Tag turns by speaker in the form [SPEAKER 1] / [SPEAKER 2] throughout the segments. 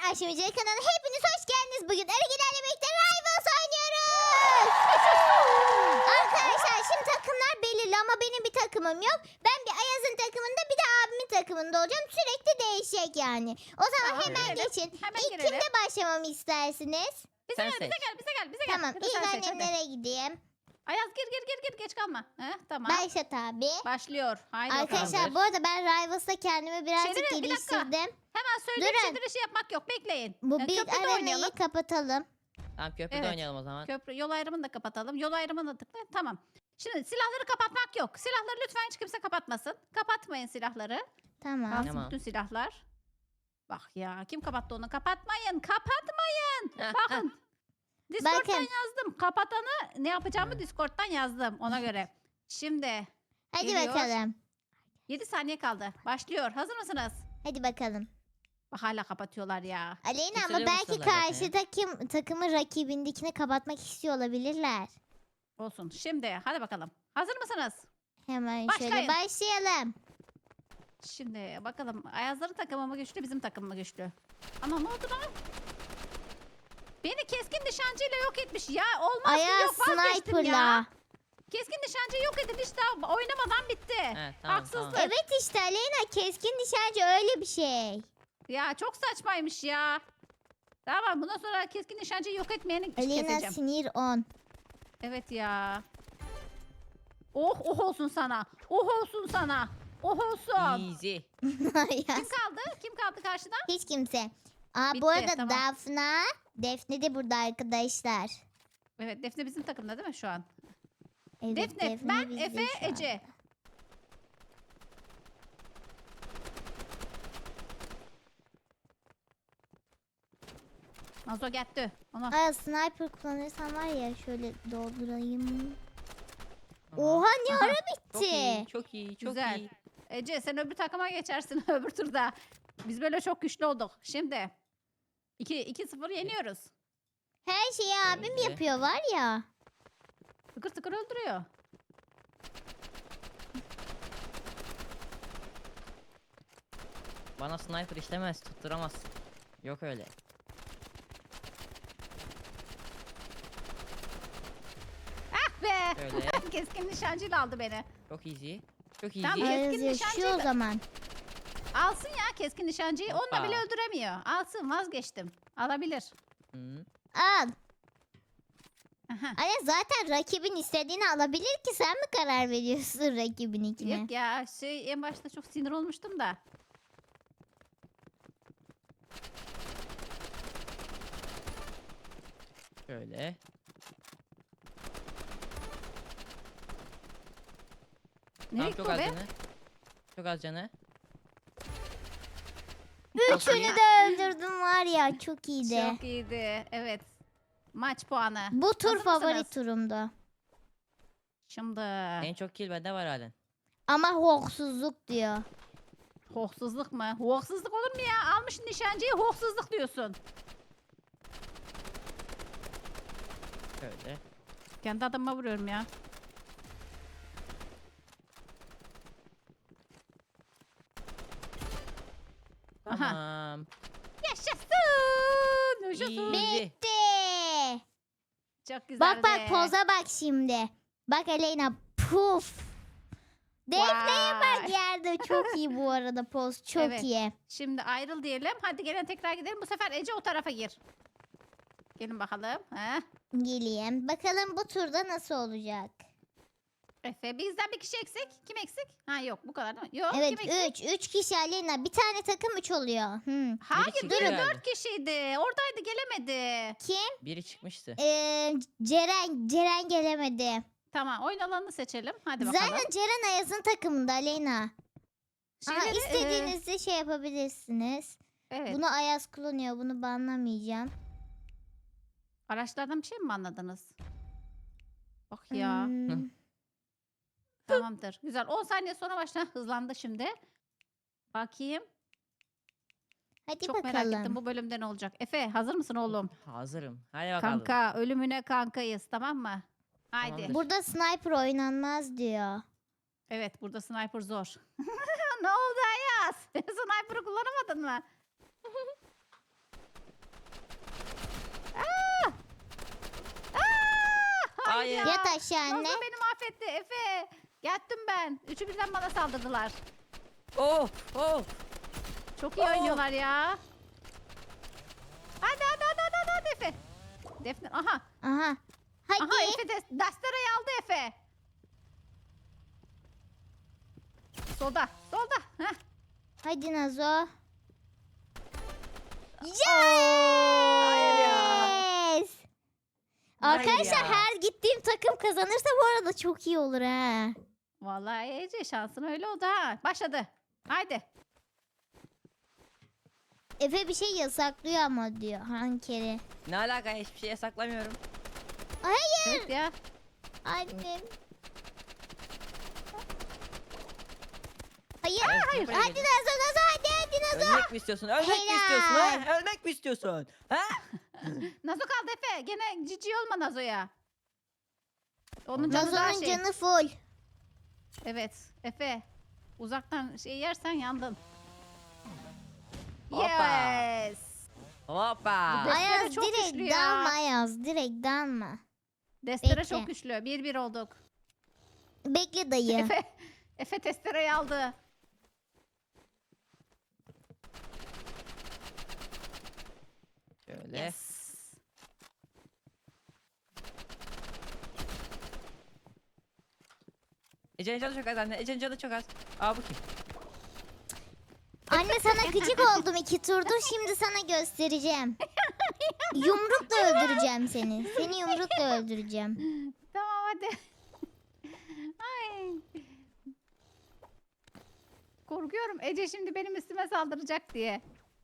[SPEAKER 1] Aşımcı kanalına hepiniz hoş geldiniz. Bugün Erigilerle birlikte Rivals oynuyoruz. Arkadaşlar şimdi takımlar belirli ama benim bir takımım yok. Ben bir Ayaz'ın takımında bir de abimin takımında olacağım. Sürekli değişecek yani. O zaman
[SPEAKER 2] Tamam,
[SPEAKER 1] hemen
[SPEAKER 2] girelim.
[SPEAKER 1] geçin.
[SPEAKER 2] Hemen
[SPEAKER 1] İlk
[SPEAKER 2] girelim.
[SPEAKER 1] kimde başlamamı istersiniz?
[SPEAKER 2] Bize
[SPEAKER 3] Sen
[SPEAKER 2] gel, bize
[SPEAKER 3] seç.
[SPEAKER 2] gel, bize gel, bize gel.
[SPEAKER 1] Tamam
[SPEAKER 2] Hadi
[SPEAKER 1] ilk
[SPEAKER 2] sen seç, hadi.
[SPEAKER 1] annemlere gideyim.
[SPEAKER 2] Ayaz gir, geç kalma. Tamam.
[SPEAKER 1] Başlat abi.
[SPEAKER 2] Başlıyor. Haydi
[SPEAKER 1] Arkadaşlar
[SPEAKER 2] bakalım.
[SPEAKER 1] bu arada ben Rivals'ta kendimi birazcık
[SPEAKER 2] Çevirin, bir dakika.
[SPEAKER 1] geliştirdim.
[SPEAKER 2] Hemen söyleyeyim
[SPEAKER 1] Durun.
[SPEAKER 2] çevirişi yapmak yok. Bekleyin.
[SPEAKER 1] Bu bir
[SPEAKER 2] köprüde
[SPEAKER 1] arenayı
[SPEAKER 2] oynayalım.
[SPEAKER 1] kapatalım.
[SPEAKER 3] Tamam köprüde
[SPEAKER 2] Evet.
[SPEAKER 3] oynayalım o zaman.
[SPEAKER 2] Köprü yol ayrımını da kapatalım. Yol ayrımını da tıkla. Tamam. Şimdi silahları kapatmak yok. Silahları lütfen hiç kimse kapatmasın. Kapatmayın silahları.
[SPEAKER 1] Tamam.
[SPEAKER 2] Kalsın
[SPEAKER 3] Tamam.
[SPEAKER 2] bütün silahlar. Bak ya kim kapattı onu? Kapatmayın. Kapatmayın. Bakın. Discord'dan
[SPEAKER 1] Bakın.
[SPEAKER 2] yazdım. Kapatanı ne yapacağımı
[SPEAKER 3] Evet.
[SPEAKER 2] Discord'dan yazdım ona göre. Şimdi
[SPEAKER 1] Hadi
[SPEAKER 2] Geliyor.
[SPEAKER 1] bakalım.
[SPEAKER 2] 7 saniye kaldı. Başlıyor. Hazır mısınız?
[SPEAKER 1] Hadi bakalım.
[SPEAKER 2] Bak hala kapatıyorlar ya.
[SPEAKER 1] Aleyna ama
[SPEAKER 3] Yükseliyor
[SPEAKER 1] belki
[SPEAKER 3] muhtemelen
[SPEAKER 1] karşı takımın rakibindekini kapatmak istiyor olabilirler.
[SPEAKER 2] Olsun. Şimdi hadi bakalım. Hazır mısınız?
[SPEAKER 1] Hemen şöyle
[SPEAKER 2] Başlayın.
[SPEAKER 1] başlayalım.
[SPEAKER 2] Şimdi bakalım Ayazların takımı mı güçlü bizim takım mı güçlü? Ama ne oldu lan? Beni keskin nişancıyla yok etmiş ya. Olmaz ki
[SPEAKER 1] Ayaz
[SPEAKER 2] yok vazgeçtim ya.
[SPEAKER 1] sniper'la.
[SPEAKER 2] Keskin nişancı yok edin işte oynamadan bitti.
[SPEAKER 3] Evet, tamam,
[SPEAKER 2] Haksızlık.
[SPEAKER 3] tamam.
[SPEAKER 1] Evet işte Aleyna keskin nişancı öyle bir şey.
[SPEAKER 2] Ya çok saçmaymış ya. Tamam bundan sonra keskin nişancıyı yok etmeyeni
[SPEAKER 1] Aleyna
[SPEAKER 2] keseceğim.
[SPEAKER 1] sinir 10.
[SPEAKER 2] Evet ya. Oh olsun sana. Oh olsun sana. Oh olsun.
[SPEAKER 3] Easy.
[SPEAKER 2] Kim kaldı? Kim kaldı karşıda?
[SPEAKER 1] Hiç kimse. Aa
[SPEAKER 2] Bitti,
[SPEAKER 1] bu arada
[SPEAKER 2] tamam.
[SPEAKER 1] Defne de burada arkadaşlar.
[SPEAKER 2] Evet Defne bizim takımda değil mi şu an?
[SPEAKER 1] Evet,
[SPEAKER 2] Defne, ben,
[SPEAKER 1] bizde
[SPEAKER 2] Efe,
[SPEAKER 1] şu an.
[SPEAKER 2] Ece. Nazo gitti. Ona.
[SPEAKER 1] Aa sniper kullanırsam var ya şöyle doldurayım.
[SPEAKER 3] Tamam.
[SPEAKER 1] Oha ne
[SPEAKER 2] Aha,
[SPEAKER 1] ara
[SPEAKER 3] Çok iyi,
[SPEAKER 1] bitti.
[SPEAKER 3] çok iyi, çok
[SPEAKER 2] Güzel.
[SPEAKER 3] iyi.
[SPEAKER 2] Ece sen öbür takıma geçersin öbür turda. Biz böyle çok güçlü olduk. Şimdi 2-0 yeniyoruz.
[SPEAKER 1] Her şeyi abim
[SPEAKER 3] Öyle.
[SPEAKER 1] yapıyor var ya.
[SPEAKER 2] Tıkır tıkır öldürüyor.
[SPEAKER 3] Bana sniper işlemez, tutturamaz. Yok öyle.
[SPEAKER 2] Ah be!
[SPEAKER 3] Öyle.
[SPEAKER 2] Keskin nişancıyla aldı beni.
[SPEAKER 3] Çok easy. Çok easy.
[SPEAKER 2] Tamam.
[SPEAKER 1] Ayaz
[SPEAKER 2] Keskin
[SPEAKER 1] yaşıyor o
[SPEAKER 2] nişancıyla-
[SPEAKER 1] zaman.
[SPEAKER 2] Alsın ya keskin nişancıyı. Onunla
[SPEAKER 3] Hoppa.
[SPEAKER 2] bile öldüremiyor. Alsın vazgeçtim. Alabilir.
[SPEAKER 3] Hı.
[SPEAKER 1] Al.
[SPEAKER 2] Aha.
[SPEAKER 1] Ayaz zaten rakibin istediğini alabilir ki sen mi karar veriyorsun rakibininkine?
[SPEAKER 2] Yok ya en başta çok sinir olmuştum da.
[SPEAKER 3] Şöyle.
[SPEAKER 2] Nereye
[SPEAKER 3] Tamam,
[SPEAKER 2] gitti
[SPEAKER 3] çok
[SPEAKER 2] o
[SPEAKER 3] az
[SPEAKER 2] be?
[SPEAKER 3] canı. Çok az canı.
[SPEAKER 1] Üçünü de öldürdüm var ya çok iyiydi.
[SPEAKER 2] Çok iyiydi. Evet. Maç puanı.
[SPEAKER 1] Bu tur
[SPEAKER 2] Hazır
[SPEAKER 1] favori
[SPEAKER 2] mısınız?
[SPEAKER 1] turumdu.
[SPEAKER 2] Şimdi
[SPEAKER 3] En çok kill bende var halen.
[SPEAKER 1] Ama hoksuzluk diyor.
[SPEAKER 2] hoksuzluk mu? Hoksuzluk olur mu ya? Almışsın nişancıyı hoksuzluk diyorsun.
[SPEAKER 3] Şöyle.
[SPEAKER 2] Kendi adamıma vuruyorum ya. Aha.
[SPEAKER 3] Tamam.
[SPEAKER 2] Yaşasın. Yaşasın.
[SPEAKER 3] Easy.
[SPEAKER 1] Bitti.
[SPEAKER 2] Çok güzel
[SPEAKER 1] Bak bak
[SPEAKER 2] be.
[SPEAKER 1] poza bak şimdi. Bak Aleyna puf. Defne'ye bak
[SPEAKER 2] Vay.
[SPEAKER 1] yerde çok iyi bu arada poz çok
[SPEAKER 2] Evet.
[SPEAKER 1] iyi.
[SPEAKER 2] Şimdi ayrıl diyelim. Hadi gelin tekrar gidelim. Bu sefer Ece o tarafa gir. Gelin bakalım. Heh.
[SPEAKER 1] Geleyim. Bakalım bu turda nasıl olacak?
[SPEAKER 2] Efe bizden bir kişi eksik. Kim eksik? Ha yok bu kadar değil mi? Yok
[SPEAKER 1] Evet
[SPEAKER 2] kim eksik?
[SPEAKER 1] 3 kişi Aleyna. Bir tane takım 3 oluyor.
[SPEAKER 2] Hayır
[SPEAKER 3] çıktı
[SPEAKER 2] biri
[SPEAKER 3] herhalde.
[SPEAKER 2] 4 kişiydi. Oradaydı gelemedi.
[SPEAKER 1] Kim?
[SPEAKER 3] Biri çıkmıştı.
[SPEAKER 1] Ceren gelemedi.
[SPEAKER 2] Tamam oyun alanını seçelim. Hadi bakalım.
[SPEAKER 1] Zaten Ceren Ayaz'ın takımında Aleyna. Aha,
[SPEAKER 2] Şeyleri,
[SPEAKER 1] istediğinizde şey yapabilirsiniz.
[SPEAKER 2] evet.
[SPEAKER 1] Bunu Ayaz kullanıyor. Bunu banlamayacağım.
[SPEAKER 2] Araçlardan bir şey mi anladınız? Bak ya.
[SPEAKER 1] Hmm,
[SPEAKER 2] Tamamdır. Güzel. 10 saniye sonra başla. Hızlandı şimdi. Bakayım.
[SPEAKER 1] Hadi
[SPEAKER 2] Çok
[SPEAKER 1] bakalım.
[SPEAKER 2] merak ettim bu bölümde ne olacak. Efe hazır mısın oğlum?
[SPEAKER 3] Hazırım. Hadi bakalım.
[SPEAKER 2] Kanka ölümüne kankayız tamam mı? Haydi.
[SPEAKER 3] Tamamdır.
[SPEAKER 1] Burada sniper oynanmaz diyor.
[SPEAKER 2] Evet burada sniper zor. Ne oldu Ayaz? Sniper'ı kullanamadın mı?
[SPEAKER 3] Hayır.
[SPEAKER 2] ya.
[SPEAKER 1] Yat aşağı anne.
[SPEAKER 2] Nazo beni mahvetti Efe. Yattım ben. Üçü birden bana saldırdılar.
[SPEAKER 3] Oh oh.
[SPEAKER 2] Çok iyi
[SPEAKER 3] Oo.
[SPEAKER 2] oynuyorlar ya. Hadi Efe. Defne aha.
[SPEAKER 1] Aha. Hadi.
[SPEAKER 2] Aha Efe Dastera'yı aldı Efe. Solda. Heh.
[SPEAKER 1] Hadi Nazo.
[SPEAKER 3] Hayır ya.
[SPEAKER 1] Yes.
[SPEAKER 3] Hayır
[SPEAKER 1] Arkadaşlar
[SPEAKER 3] ya.
[SPEAKER 1] her gittiğim takım kazanırsa bu arada çok iyi olur ha.
[SPEAKER 2] Vallahi Ece şansın öyle oldu ha. Başladı. Haydi.
[SPEAKER 1] Efe bir şey yasaklıyor ama diyor hankeri.
[SPEAKER 3] Ne alaka, hiçbir şey yasaklamıyorum.
[SPEAKER 1] Hayır
[SPEAKER 2] Evet ya.
[SPEAKER 1] annem. Hayır.
[SPEAKER 3] Evet,
[SPEAKER 1] Hayır.
[SPEAKER 3] buraya
[SPEAKER 1] Hadi
[SPEAKER 3] gelin.
[SPEAKER 1] Nazo hadi Nazo.
[SPEAKER 3] Ölmek mi istiyorsun? Ölmek mi
[SPEAKER 1] Helal.
[SPEAKER 3] istiyorsun? Ha? Ölmek mi istiyorsun? Ha?
[SPEAKER 2] Nazo kaldı Efe. Gene cici olma Nazo'ya. Onun canı daha
[SPEAKER 1] Nazo'nun
[SPEAKER 2] şey.
[SPEAKER 1] canı full.
[SPEAKER 2] Evet Efe. Uzaktan şey yersen yandın.
[SPEAKER 3] Hoppa.
[SPEAKER 2] Yes.
[SPEAKER 3] Hoppa.
[SPEAKER 2] Bu Destere
[SPEAKER 1] Ayaz
[SPEAKER 2] çok güçlü
[SPEAKER 1] direkt
[SPEAKER 2] ya.
[SPEAKER 1] dalma Ayaz direkt dalma.
[SPEAKER 2] Destere
[SPEAKER 1] Bekle.
[SPEAKER 2] çok güçlü. 1-1 olduk.
[SPEAKER 1] Bekle dayı.
[SPEAKER 2] Efe testereyi aldı.
[SPEAKER 3] Şöyle.
[SPEAKER 2] Yes.
[SPEAKER 3] Ece'nin canı çok az anne. Ece'nin canı çok az. Aa, bu kim?
[SPEAKER 1] Anne sana gıcık oldum 2 turdur şimdi sana göstereceğim. Yumrukla öldüreceğim seni. Seni yumrukla öldüreceğim.
[SPEAKER 2] Tamam hadi. Ay. Korkuyorum Ece şimdi benim üstüme saldıracak diye.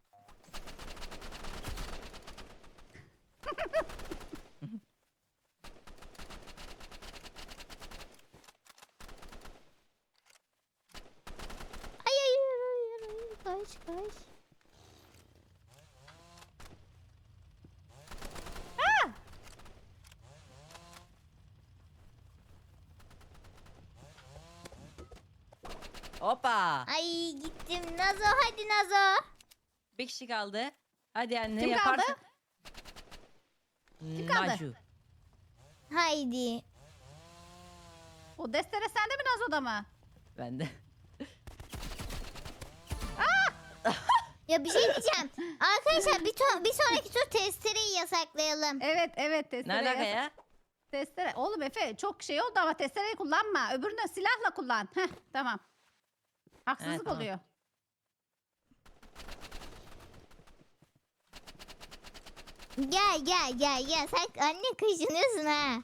[SPEAKER 1] Ay ay ay ay, ay. Kaç.
[SPEAKER 3] Hoppa.
[SPEAKER 1] Ay gittim Nazo hadi Nazo.
[SPEAKER 3] Bir kişi kaldı. Hadi anne,
[SPEAKER 2] Kim kaldı?
[SPEAKER 3] yaparsın.
[SPEAKER 2] kaldı?
[SPEAKER 3] Naju.
[SPEAKER 1] Haydi.
[SPEAKER 2] O destere sende mi Nazo'da mı?
[SPEAKER 3] Ben de.
[SPEAKER 1] Ya bir şey diyeceğim. Arkadaşlar bir sonraki tur testereyi yasaklayalım.
[SPEAKER 2] Evet
[SPEAKER 3] Ne
[SPEAKER 2] testere.
[SPEAKER 3] alaka ya?
[SPEAKER 2] Testere. Oğlum Efe çok şey oldu ama testereyi kullanma. Öbürünü silahla kullan. Heh tamam. Haksızlık
[SPEAKER 3] tamam.
[SPEAKER 2] oluyor.
[SPEAKER 1] Gel. Sen anne kaşınıyorsun ha.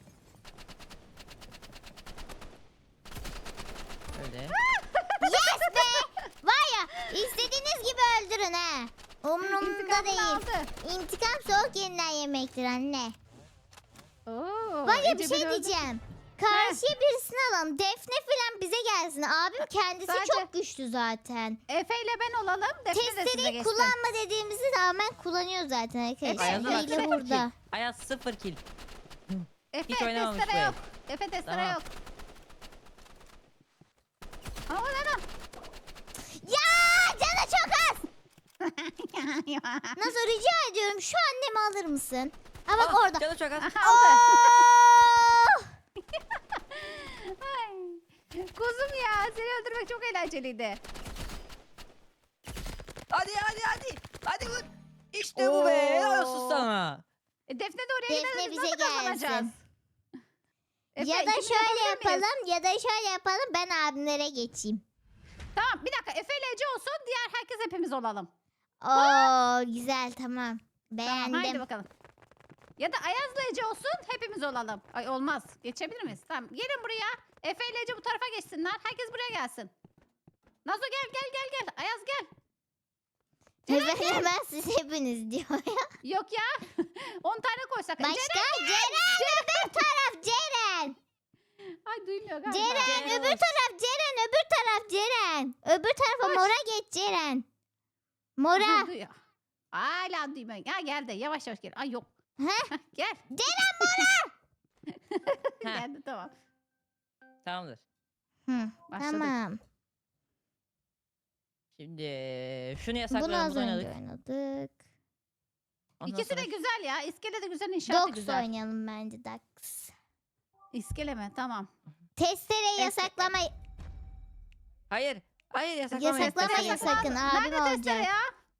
[SPEAKER 3] Öyle.
[SPEAKER 1] Yes be. Var ya istediğiniz gibi öldürün ha. Umrumda
[SPEAKER 2] İntikamını
[SPEAKER 1] değil.
[SPEAKER 2] aldı.
[SPEAKER 1] İntikam soğuk yenilen yemektir anne.
[SPEAKER 2] Oo,
[SPEAKER 1] Var ya bir
[SPEAKER 2] Ece
[SPEAKER 1] şey
[SPEAKER 2] beni öldürdü.
[SPEAKER 1] diyeceğim. Karşıya birisini alalım. Defne falan bize gelsin. Abim kendisi
[SPEAKER 2] Sadece-
[SPEAKER 1] çok güçlü zaten.
[SPEAKER 2] Efe ile ben olalım. Defne de size
[SPEAKER 1] Testereyi
[SPEAKER 2] geçsin.
[SPEAKER 1] kullanma dediğimizi rağmen kullanıyor zaten arkadaşlar.
[SPEAKER 3] Ayaz'a bak,
[SPEAKER 1] Hile
[SPEAKER 3] 0
[SPEAKER 1] burada.
[SPEAKER 3] kill. Ayaz 0 kill.
[SPEAKER 2] Efe
[SPEAKER 3] Hiç oynamamış
[SPEAKER 2] testere
[SPEAKER 3] bu
[SPEAKER 2] yok. Efe testere
[SPEAKER 3] Tamam.
[SPEAKER 2] yok. Ama hemen.
[SPEAKER 1] Ya canı çok az. Nasıl rica ediyorum şu annemi alır mısın? Ha bak
[SPEAKER 3] Ah,
[SPEAKER 1] orada.
[SPEAKER 3] Canı çok az.
[SPEAKER 2] Aha, aldı.
[SPEAKER 1] Oh!
[SPEAKER 2] Ay, kuzum ya seni öldürmek çok eğlenceliydi.
[SPEAKER 3] Hadi. Hadi vur. İşte bu be. Helal olsun
[SPEAKER 2] Oo.
[SPEAKER 3] sana.
[SPEAKER 2] Defne de oraya
[SPEAKER 1] Defne
[SPEAKER 2] giderse biz
[SPEAKER 1] bize
[SPEAKER 2] nasıl kazanacağız?
[SPEAKER 1] gelsin.
[SPEAKER 2] Efe,
[SPEAKER 1] Ya da
[SPEAKER 2] ikimiz
[SPEAKER 1] şöyle
[SPEAKER 2] yapabilir miyiz?
[SPEAKER 1] yapalım ben abimlere geçeyim.
[SPEAKER 2] Tamam bir dakika Efe ile Ece olsun diğer herkes hepimiz olalım.
[SPEAKER 1] Oo güzel tamam.
[SPEAKER 2] Tamam,
[SPEAKER 1] Beğendim.
[SPEAKER 2] haydi bakalım. Ya da Ayaz'la Ece olsun hepimiz olalım. Ay olmaz. Geçebilir miyiz? Tamam gelin buraya. Efe ile Ece bu tarafa geçsinler. Herkes buraya gelsin. Nazo gel. Ayaz gel.
[SPEAKER 1] Ben siz hepiniz diyor ya.
[SPEAKER 2] Yok ya. 10 tane koysak.
[SPEAKER 1] Başka Ceren öbür taraf Ceren.
[SPEAKER 2] Ay duymuyor galiba.
[SPEAKER 1] Ceren
[SPEAKER 3] Ceren
[SPEAKER 1] öbür
[SPEAKER 3] olsun.
[SPEAKER 1] taraf Ceren. Öbür tarafa
[SPEAKER 2] Koş.
[SPEAKER 1] mora geç Ceren.
[SPEAKER 2] Aha,
[SPEAKER 1] Mora.
[SPEAKER 2] duyuyor. Hala duymuyor. Ya gel de yavaş gel. Ay yok.
[SPEAKER 1] Heh.
[SPEAKER 2] Heh, gel.
[SPEAKER 1] Ceren mora.
[SPEAKER 3] Heh.
[SPEAKER 2] Geldi tamam.
[SPEAKER 3] Tamamdır.
[SPEAKER 1] Hı,
[SPEAKER 2] Başladık.
[SPEAKER 1] tamam.
[SPEAKER 3] Şimdi şunu
[SPEAKER 1] Bunu
[SPEAKER 3] yasaklayalım.
[SPEAKER 1] az
[SPEAKER 3] Bunu
[SPEAKER 1] önce
[SPEAKER 3] oynadık.
[SPEAKER 1] oynadık.
[SPEAKER 3] Ondan
[SPEAKER 2] İkisi de
[SPEAKER 3] sonra
[SPEAKER 2] güzel ya. İskele de güzel, inşaat da
[SPEAKER 1] Dogs
[SPEAKER 2] güzel.
[SPEAKER 1] oynayalım bence Dogs.
[SPEAKER 2] İskele mi? Tamam.
[SPEAKER 1] Testere yasaklama.
[SPEAKER 3] Hayır. Hayır yasaklama.
[SPEAKER 1] Yasaklamayın
[SPEAKER 3] yasaklama.
[SPEAKER 1] sakın.
[SPEAKER 2] Nerede
[SPEAKER 1] Abim
[SPEAKER 2] testere
[SPEAKER 1] olacak.
[SPEAKER 2] ya?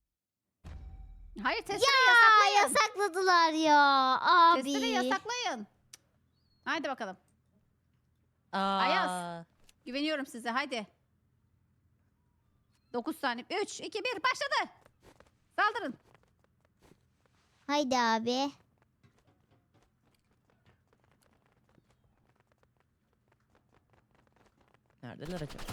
[SPEAKER 2] Hayır testere
[SPEAKER 1] Ya
[SPEAKER 2] yasaklayın.
[SPEAKER 1] yasakladılar ya.
[SPEAKER 2] Testere
[SPEAKER 1] Abi.
[SPEAKER 2] yasaklayın. Haydi bakalım.
[SPEAKER 3] Aa.
[SPEAKER 2] Ayaz. Güveniyorum size. Haydi. 9 saniye. 3, 2, 1 başladı. Saldırın.
[SPEAKER 1] Haydi abi.
[SPEAKER 3] Neredeler acaba?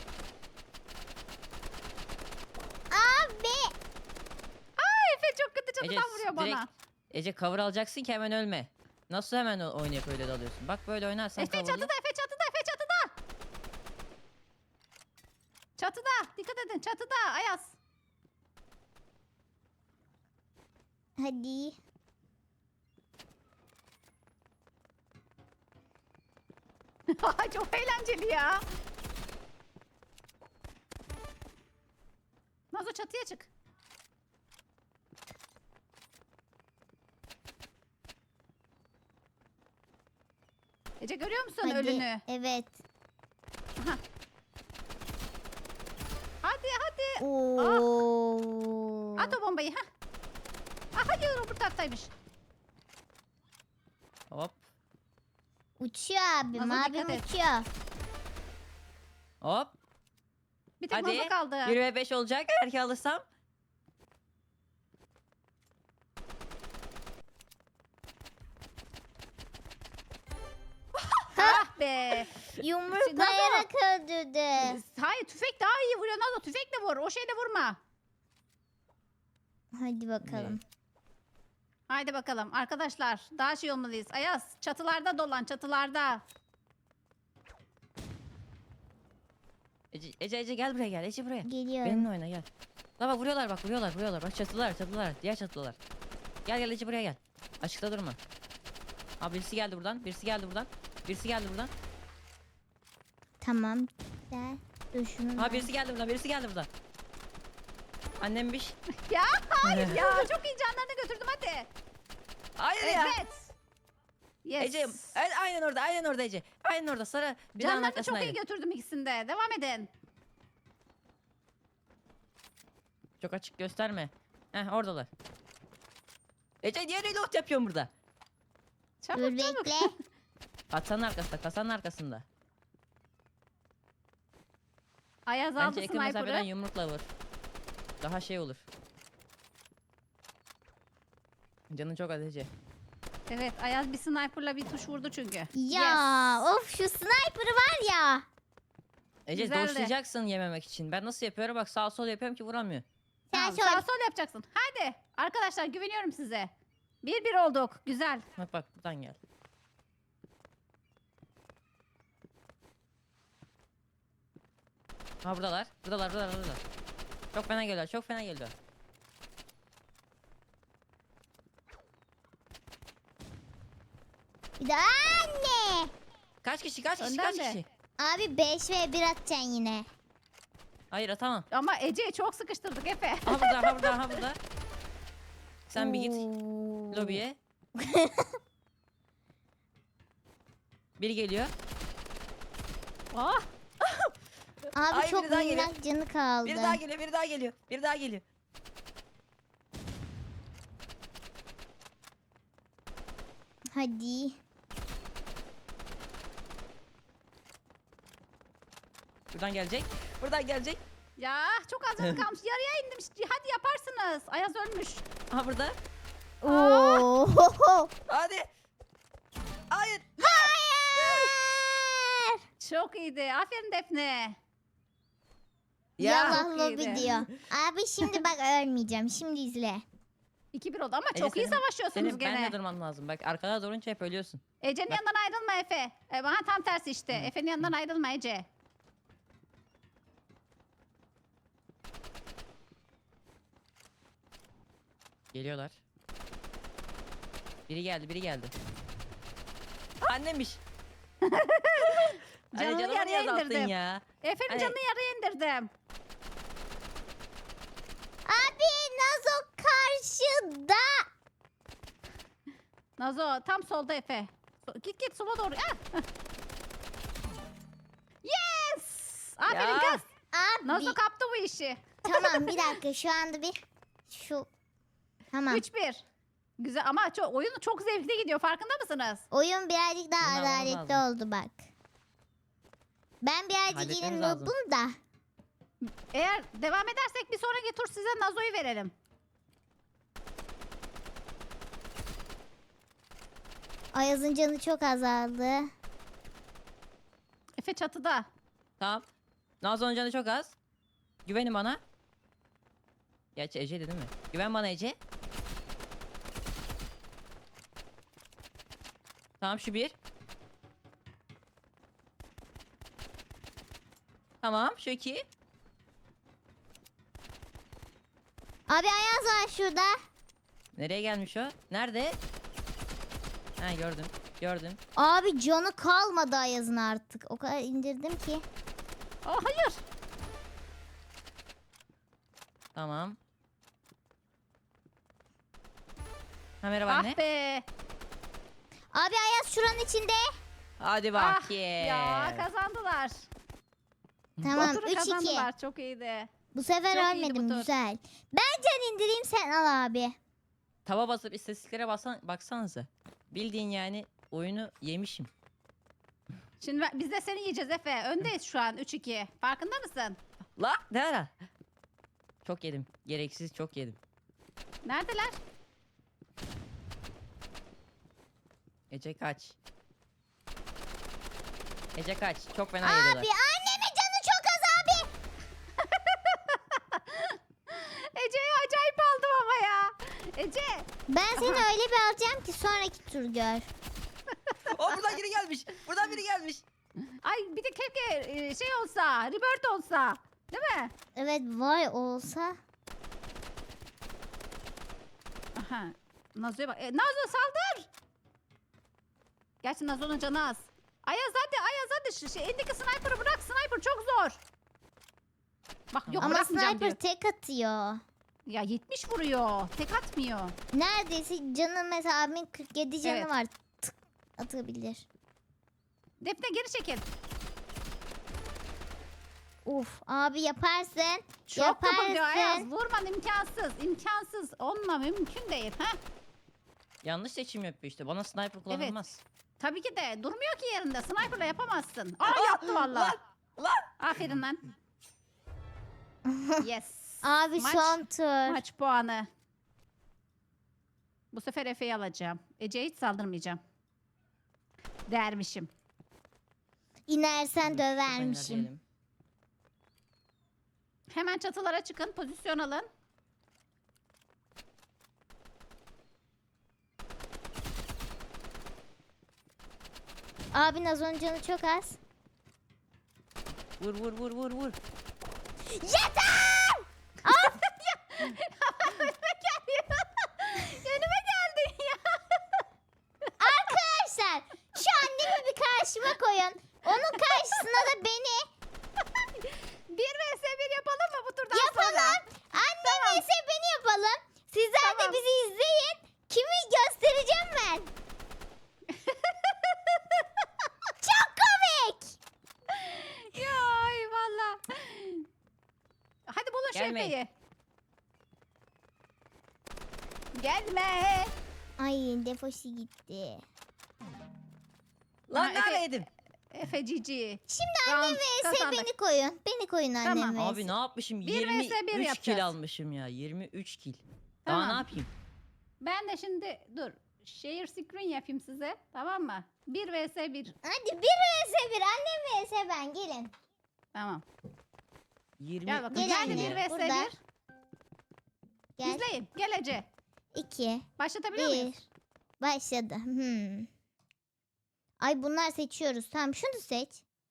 [SPEAKER 1] Abi.
[SPEAKER 2] Efe çok kötü çatıdan
[SPEAKER 3] Ece,
[SPEAKER 2] vuruyor bana.
[SPEAKER 3] Ece cover alacaksın ki hemen ölme. Nasıl hemen oynayıp öyle dalıyorsun? Bak böyle oynarsan
[SPEAKER 2] Efe
[SPEAKER 3] coverlı.
[SPEAKER 2] çatıda, Efe çatıda, Efe çatıda. Çatıda. Dikkat edin çatıda. Ayaz.
[SPEAKER 1] Hadi.
[SPEAKER 2] Çok eğlenceli ya. Nazo çatıya çık. Ece görüyor musun
[SPEAKER 1] Hadi.
[SPEAKER 2] ölünü?
[SPEAKER 1] Evet.
[SPEAKER 2] Hadi hadi.
[SPEAKER 1] Oo.
[SPEAKER 2] At o bombayı. Ha. Ah, hadi öbür taraftaymış.
[SPEAKER 3] Hop.
[SPEAKER 1] Uçuyor abim.
[SPEAKER 2] Nazo
[SPEAKER 1] Abim
[SPEAKER 2] dikkat et.
[SPEAKER 1] uçuyor.
[SPEAKER 3] Hop.
[SPEAKER 2] Bir tek
[SPEAKER 3] Hadi.
[SPEAKER 2] Nazo kaldı.
[SPEAKER 3] 1 ve 5 olacak. Eğer ki alırsam.
[SPEAKER 2] Ah be.
[SPEAKER 1] Yumruklayarak öldürdü.
[SPEAKER 2] Hayır tüfek daha iyi vuruyor Nazo. Tüfekle vur. O şeyle vurma.
[SPEAKER 1] Hadi bakalım.
[SPEAKER 2] Haydi bakalım arkadaşlar. Daha şey olmalıyız. Ayaz çatılarda dolan çatılarda.
[SPEAKER 3] Ece gel buraya gel. Ece buraya.
[SPEAKER 1] Geliyorum.
[SPEAKER 3] Benimle oyna gel. Bak vuruyorlar bak vuruyorlar. Bak çatılar. Diğer çatılar. Gel Ece buraya gel. Açıkta durma. Abi birisi geldi buradan. Birisi geldi buradan.
[SPEAKER 1] Tamam. Güzel. Dur şunu.
[SPEAKER 3] Ha birisi geldi buradan. Annemmiş.
[SPEAKER 2] Ya hayır ya. Çok iyi canlarını götürdüm hadi.
[SPEAKER 3] Hayır ya.
[SPEAKER 2] Evet. Yes.
[SPEAKER 3] Ece aynen orada Ece. Aynen orada sarı binanın
[SPEAKER 2] Canlarını çok
[SPEAKER 3] arkasındaydı.
[SPEAKER 2] iyi götürdüm ikisinde. Devam edin.
[SPEAKER 3] Çok açık gösterme. Heh oradalar. Ece niye reload yapıyorsun burada?
[SPEAKER 2] Çabuk
[SPEAKER 1] Dur
[SPEAKER 2] çabuk.
[SPEAKER 1] bekle.
[SPEAKER 3] Kasanın arkasında.
[SPEAKER 2] Ayaz aldı
[SPEAKER 3] Bence yakın mesafeden
[SPEAKER 2] sniper'ı.
[SPEAKER 3] yumrukla vur. Daha şey olur. Canın çok az Ece.
[SPEAKER 2] Evet Ayaz bir sniper'la bir tuş vurdu çünkü.
[SPEAKER 1] Ya
[SPEAKER 2] Yes.
[SPEAKER 1] of şu sniper'ı var ya.
[SPEAKER 3] Ece
[SPEAKER 2] Güzeldi.
[SPEAKER 3] doşlayacaksın yememek için. Ben nasıl yapıyorum? Bak sağ sol yapıyorum ki vuramıyor.
[SPEAKER 1] Sen
[SPEAKER 2] Tamam,
[SPEAKER 1] şöyle.
[SPEAKER 2] sağ sol yapacaksın. Hadi arkadaşlar güveniyorum size. 1-1 olduk. Güzel.
[SPEAKER 3] Bak buradan gel. Ha buradalar. Buradalar. Çok fena geliyor.
[SPEAKER 1] Bir de anne.
[SPEAKER 3] Kaç kişi?
[SPEAKER 2] Önden de.
[SPEAKER 1] Abi 5 ve 1 atacaksın yine.
[SPEAKER 3] Hayır atamam.
[SPEAKER 2] Ama Ece'yi çok sıkıştırdık Efe.
[SPEAKER 3] Ha burada. Sen bir git
[SPEAKER 1] Oo.
[SPEAKER 3] lobiye. Biri geliyor.
[SPEAKER 2] Ah,
[SPEAKER 1] Abi
[SPEAKER 3] Ay,
[SPEAKER 1] çok
[SPEAKER 3] biri daha geliyor.
[SPEAKER 1] minnak canı kaldı.
[SPEAKER 3] Biri daha geliyor.
[SPEAKER 1] Hadi.
[SPEAKER 3] Buradan gelecek.
[SPEAKER 2] ya çok az canı kalmış. Yarıya indim. Hadi yaparsınız. Ayaz ölmüş.
[SPEAKER 3] Ha burada.
[SPEAKER 1] Oo.
[SPEAKER 3] Hadi. Hayır.
[SPEAKER 1] Hayır.
[SPEAKER 2] Çok iyiydi. Aferin Defne.
[SPEAKER 1] Yallah
[SPEAKER 2] Çok
[SPEAKER 1] lobi
[SPEAKER 2] iyiydi.
[SPEAKER 1] diyor. Abi şimdi bak ölmeyeceğim. Şimdi izle.
[SPEAKER 2] 2-1 oldu ama
[SPEAKER 3] Ece,
[SPEAKER 2] çok iyi
[SPEAKER 3] senin-
[SPEAKER 2] savaşıyorsunuz
[SPEAKER 3] Senin
[SPEAKER 2] gene.
[SPEAKER 3] benle durman lazım. Bak arkada durunca hep ölüyorsun.
[SPEAKER 2] Ece'nin
[SPEAKER 3] Bak.
[SPEAKER 2] yanından ayrılma Efe. Bana tam tersi işte. Efe'nin yanından ayrılma Ece.
[SPEAKER 3] Geliyorlar. Biri geldi. Annemmiş.
[SPEAKER 2] Canını
[SPEAKER 3] canımı
[SPEAKER 2] yarıya
[SPEAKER 3] niye azalttın
[SPEAKER 2] indirdim.
[SPEAKER 3] ya?
[SPEAKER 2] Efe'nin
[SPEAKER 3] Hani-
[SPEAKER 2] canını yarıya indirdim.
[SPEAKER 1] Abi Nazo karşıda.
[SPEAKER 2] Nazo tam solda Efe. Git sola doğru. Ah. Yes! Aferin
[SPEAKER 3] Ya.
[SPEAKER 2] kız.
[SPEAKER 1] Abi
[SPEAKER 2] Nazo kaptı bu işi.
[SPEAKER 1] tamam bir dakika şu anda bir şu tamam.
[SPEAKER 2] 3-1. Güzel ama oyun çok zevkli gidiyor. Farkında mısınız?
[SPEAKER 1] Oyun birazcık daha
[SPEAKER 3] Bunu almamız
[SPEAKER 1] adaletli
[SPEAKER 3] lazım.
[SPEAKER 1] oldu bak. Ben birazcık yine
[SPEAKER 3] Halletmemiz lazım.
[SPEAKER 1] noobum da.
[SPEAKER 2] Eğer devam edersek bir sonraki tur size Nazo'yu verelim.
[SPEAKER 1] Ayaz'ın canı çok azaldı.
[SPEAKER 2] Efe çatıda.
[SPEAKER 3] Tamam. Nazlı'nın canı çok az. Güvenin bana. Gerçi Ece'ydi değil mi? Güven bana Ece. Tamam şu bir. Tamam şu iki.
[SPEAKER 1] Abi Ayaz var şurada.
[SPEAKER 3] Nereye gelmiş o? Nerede? Ha gördüm. Gördüm.
[SPEAKER 1] Abi canı kalmadı Ayaz'ın artık. O kadar indirdim ki.
[SPEAKER 2] Oh hayır.
[SPEAKER 3] Tamam. Ha merhaba anne.
[SPEAKER 2] Ah be.
[SPEAKER 1] Abi Ayaz şuranın içinde.
[SPEAKER 3] Hadi
[SPEAKER 2] Ah
[SPEAKER 3] bakayım.
[SPEAKER 2] ya kazandılar.
[SPEAKER 1] Tamam
[SPEAKER 2] Turu
[SPEAKER 1] 3-2.
[SPEAKER 2] kazandılar. Çok iyiydi.
[SPEAKER 1] Bu sefer
[SPEAKER 2] Çok iyiydi
[SPEAKER 1] ölmedim
[SPEAKER 2] bu tur.
[SPEAKER 1] güzel. Ben can indireyim sen al abi.
[SPEAKER 3] Tava basıp istatistiklere baksanıza. Bildiğin yani oyunu yemişim.
[SPEAKER 2] Şimdi biz de seni yiyeceğiz Efe. Öndeyiz şu an 3-2. Farkında mısın?
[SPEAKER 3] La ne ara? Çok yedim. Gereksiz çok yedim.
[SPEAKER 2] Neredeler?
[SPEAKER 3] Ece kaç. Ece kaç. Çok fena
[SPEAKER 1] Abi
[SPEAKER 3] yediler.
[SPEAKER 1] annemin canı çok az abi.
[SPEAKER 2] Ece'yi acayip aldım ama ya. Ece.
[SPEAKER 1] Ben seni öyle bir alacağım ki sonraki tur gör.
[SPEAKER 3] O buradan biri gelmiş. Buradan biri gelmiş.
[SPEAKER 2] Ay bir de keşke şey olsa. Rebirth olsa. Değil mi?
[SPEAKER 1] Evet vay olsa.
[SPEAKER 2] Aha. Nazo'ya bak. Nazo saldır. Gerçi Nazo'nun canı az. Ayaz hadi Ayaz hadi. Elindeki sniper'ı bırak. Sniper çok zor. Bak yok
[SPEAKER 1] Ama
[SPEAKER 2] bırakmayacağım
[SPEAKER 1] sniper
[SPEAKER 2] diyor.
[SPEAKER 1] tek atıyor.
[SPEAKER 2] Ya 70 vuruyor. Tek atmıyor.
[SPEAKER 1] Neredeyse canı mesela abimin 47 canı
[SPEAKER 2] Evet.
[SPEAKER 1] var. Tık atabilir.
[SPEAKER 2] Defne geri çekil.
[SPEAKER 1] Uf abi yaparsın.
[SPEAKER 2] Çok kapılıyor
[SPEAKER 1] yaparsın.
[SPEAKER 2] Ayaz. Vurman imkansız. İmkansız. Onunla mümkün değil. Ha?
[SPEAKER 3] Yanlış seçim yapıyor işte. Bana sniper kullanılmaz.
[SPEAKER 2] Tabii ki de. Durmuyor ki yerinde. Sniper'la yapamazsın. Aa yaptı valla.
[SPEAKER 3] Lan.
[SPEAKER 2] Aferin lan. Yes.
[SPEAKER 1] Abi
[SPEAKER 2] Maç-
[SPEAKER 1] son tur.
[SPEAKER 2] Maç puanı. Bu sefer Efe'yi alacağım. Ece'ye hiç saldırmayacağım. Dermişim.
[SPEAKER 1] İnersen
[SPEAKER 3] Dur,
[SPEAKER 1] dövermişim.
[SPEAKER 3] diyelim.
[SPEAKER 2] Hemen çatılara çıkın. Pozisyon alın.
[SPEAKER 1] Abi Nazo'nun canı çok az.
[SPEAKER 3] Vur vur vur vur vur.
[SPEAKER 1] Yeter!
[SPEAKER 2] Önüme geldin ya.
[SPEAKER 1] Arkadaşlar şu annemi bir karşıma koyun. Onun karşısına da beni
[SPEAKER 2] 1 vs 1 yapalım mı bu turdan sonra?
[SPEAKER 1] yapalım. Annem ise beni yapalım. Sizler
[SPEAKER 2] Tamam.
[SPEAKER 1] de bizi izleyin. Kimi göstereceğim ben. Çok komik.
[SPEAKER 2] Ya ay valla. Hadi bulun şu
[SPEAKER 3] Gelmeyin.
[SPEAKER 2] Efe'yi. Gelme.
[SPEAKER 1] Ay defosu gitti.
[SPEAKER 3] Lan
[SPEAKER 2] Ha,
[SPEAKER 3] nerede
[SPEAKER 2] Efe-
[SPEAKER 3] yedim?
[SPEAKER 2] Efe cici.
[SPEAKER 1] Şimdi annem vs beni koyun. Beni koyun annem
[SPEAKER 2] Tamam.
[SPEAKER 1] vs.
[SPEAKER 3] Abi ne yapmışım?
[SPEAKER 2] Bir vs bir
[SPEAKER 3] 23
[SPEAKER 2] yapacağız.
[SPEAKER 3] kill almışım ya. 23 kill. Daha
[SPEAKER 2] Tamam.
[SPEAKER 3] ne yapayım?
[SPEAKER 2] Ben de şimdi dur. Share screen yapayım size. Tamam mı? 1 vs 1.
[SPEAKER 1] Hadi bir vs bir annem vs ben gelin.
[SPEAKER 2] Tamam.
[SPEAKER 3] 23
[SPEAKER 2] Gel bakalım.
[SPEAKER 1] Gel
[SPEAKER 2] Geldi
[SPEAKER 1] anne.
[SPEAKER 2] 1 vs
[SPEAKER 1] Burada.
[SPEAKER 2] 1.
[SPEAKER 1] Gel.
[SPEAKER 2] İzleyin. Gel Ece.
[SPEAKER 1] 2
[SPEAKER 2] Başlatabiliyor
[SPEAKER 1] 1
[SPEAKER 2] muyuz?
[SPEAKER 1] başladı. Ay bunlar seçiyoruz. Tamam şunu seç.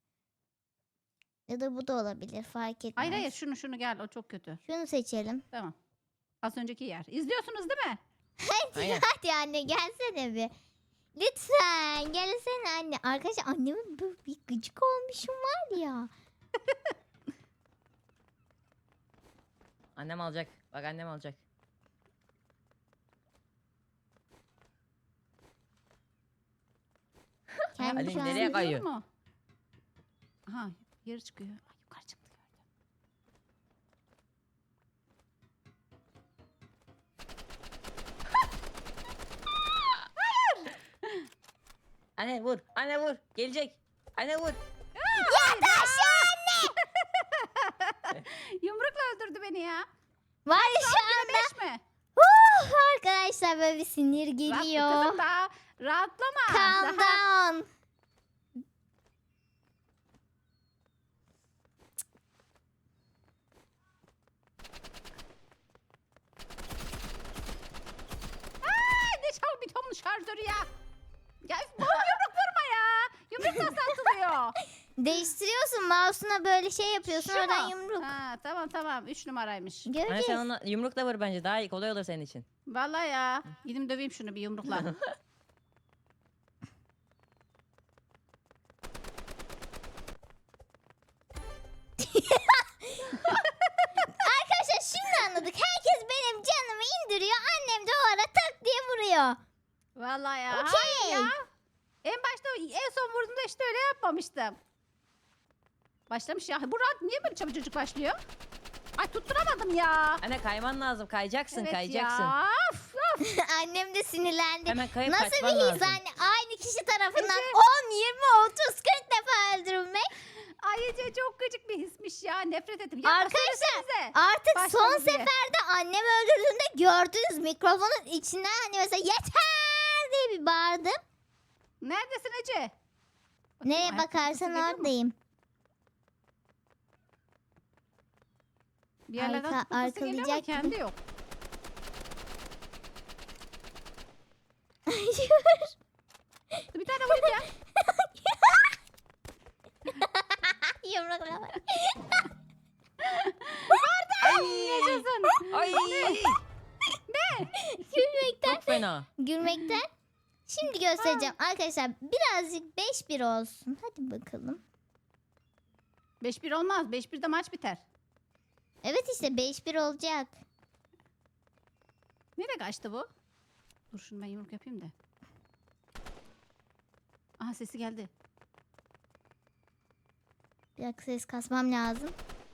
[SPEAKER 1] Ya da bu da olabilir fark etmez.
[SPEAKER 2] Hayır hayır şunu gel. O çok kötü.
[SPEAKER 1] Şunu seçelim.
[SPEAKER 2] Tamam. Az önceki yer. İzliyorsunuz değil mi?
[SPEAKER 3] Aynen.
[SPEAKER 1] Hadi anne gelsene bir. Lütfen gelsene anne. Arkadaşlar annemin bir gıcık olmuşum var ya.
[SPEAKER 3] Annem alacak. Bak annem alacak.
[SPEAKER 1] Ben
[SPEAKER 3] Ali
[SPEAKER 1] şu an...
[SPEAKER 3] nereye kayıyor?
[SPEAKER 2] Gidiyor mu? Aha yeri çıkıyor. Ay, yukarı çıktı gördüm.
[SPEAKER 3] Anne vur. Anne vur. Gelecek. Anne vur.
[SPEAKER 1] Yat aşağı anne.
[SPEAKER 2] Yumrukla öldürdü beni ya.
[SPEAKER 1] Var ya şu anda.
[SPEAKER 2] 5 mi?
[SPEAKER 1] Arkadaşlar böyle bir sinir
[SPEAKER 2] Rahatla
[SPEAKER 1] geliyor.
[SPEAKER 2] kızım daha rahatlama.
[SPEAKER 1] Calm
[SPEAKER 2] Daha-
[SPEAKER 1] down.
[SPEAKER 2] Ay, ne çabuk bir tonun şarjörü ya. Ya bu yumruk vurma ya. Yumruk nasıl atılıyor?
[SPEAKER 1] Değiştiriyorsun mouse'una böyle şey yapıyorsun
[SPEAKER 2] Şu
[SPEAKER 1] oradan
[SPEAKER 2] mu?
[SPEAKER 1] yumruk.
[SPEAKER 2] Ha, tamam 3 numaraymış.
[SPEAKER 3] Anne
[SPEAKER 1] Göreceğiz.
[SPEAKER 3] sen ona yumrukla vur bence. Daha iyi kolay olur senin için.
[SPEAKER 2] Vallahi ya. Gidip döveyim şunu bir yumrukla.
[SPEAKER 1] Arkadaşlar şimdi anladık. Herkes benim canımı indiriyor. Annem de o ara tak diye vuruyor.
[SPEAKER 2] Vallahi ya.
[SPEAKER 1] Okey.
[SPEAKER 2] Hayır ya. En başta en son vurduğumda işte öyle yapmamıştım. Başlamış ya. Bu rahat niye böyle çabucak başlıyor? Ay tutturamadım ya.
[SPEAKER 3] Anne kayman lazım. Kayacaksın.
[SPEAKER 2] Evet
[SPEAKER 3] kayacaksın.
[SPEAKER 2] ya. Of, of.
[SPEAKER 1] Annem de sinirlendi.
[SPEAKER 3] Hemen kayıp
[SPEAKER 1] Nasıl
[SPEAKER 3] kaçman
[SPEAKER 1] bir his
[SPEAKER 3] lazım.
[SPEAKER 1] anne? Aynı kişi tarafından
[SPEAKER 2] Ece.
[SPEAKER 1] 10, 20, 30, 40 defa öldürülmek.
[SPEAKER 2] Ay Ece çok gıcık bir hismiş ya. Nefret ettim. Yapma,
[SPEAKER 1] Arkadaşlar,
[SPEAKER 2] söylesenize.
[SPEAKER 1] Artık
[SPEAKER 2] Başladı
[SPEAKER 1] son
[SPEAKER 2] diye.
[SPEAKER 1] seferde annem öldürdüğünde gördünüz mikrofonun içinden hani mesela yeter diye bir bağırdım.
[SPEAKER 2] Neredesin Ece? Bakayım,
[SPEAKER 1] Nereye
[SPEAKER 2] ayak sesi
[SPEAKER 1] bakarsan
[SPEAKER 2] geliyor mu?
[SPEAKER 1] oradayım.
[SPEAKER 2] Bir yerlerden
[SPEAKER 1] Arka-
[SPEAKER 2] tıpkısı geliyor ama
[SPEAKER 1] arkalayacak
[SPEAKER 2] kendi yok. Dur, bir tane vurayım ya.
[SPEAKER 1] Yumrukla bak.
[SPEAKER 3] Ay.
[SPEAKER 2] Yaşasın.
[SPEAKER 3] Ay.
[SPEAKER 1] Gülmekten.
[SPEAKER 3] Çok fena.
[SPEAKER 1] Gülmekten. Şimdi göstereceğim. Arkadaşlar birazcık 5-1 olsun. Hadi bakalım.
[SPEAKER 2] 5-1 olmaz. 5-1'de maç biter.
[SPEAKER 1] Evet işte 5-1 olacak.
[SPEAKER 2] Nereye kaçtı bu? Dur şunu ben yumruk yapayım da. Aha sesi geldi.
[SPEAKER 1] Bir dakika ses kasmam lazım.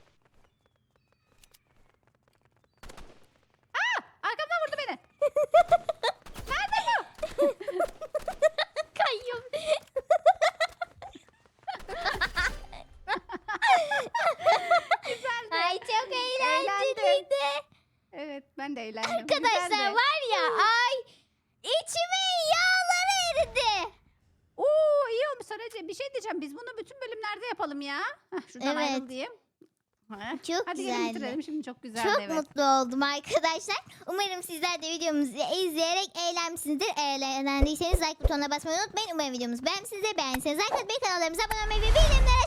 [SPEAKER 2] Arkamdan vurdu beni.
[SPEAKER 1] Kayyum.
[SPEAKER 2] Güzeldi.
[SPEAKER 1] Ay çok
[SPEAKER 2] Eğlendim.
[SPEAKER 1] eğlenceliydi.
[SPEAKER 2] Evet ben de eğlendim.
[SPEAKER 1] Arkadaşlar
[SPEAKER 2] Güzeldi.
[SPEAKER 1] var ya ay içimin yağları eridi.
[SPEAKER 2] Oo iyi olmuş Sarıcı. Bir şey diyeceğim. Biz bunu bütün bölümlerde yapalım ya. Heh, şuradan
[SPEAKER 1] Evet.
[SPEAKER 2] ayrıl diyeyim. Heh.
[SPEAKER 1] Çok
[SPEAKER 2] Hadi gelin
[SPEAKER 1] güzeldi.
[SPEAKER 2] bitirelim. Şimdi çok güzeldi
[SPEAKER 1] Çok
[SPEAKER 2] evet.
[SPEAKER 1] mutlu oldum arkadaşlar. Umarım sizler de videomuzu izleyerek eğlenmişsinizdir. Eğlendiyseniz like butonuna basmayı unutmayın. Umarım videomuzu beğenmişsinizdir. Beğendiyseniz like atmayı, kanallarımıza abone olmayı ve bildirimleri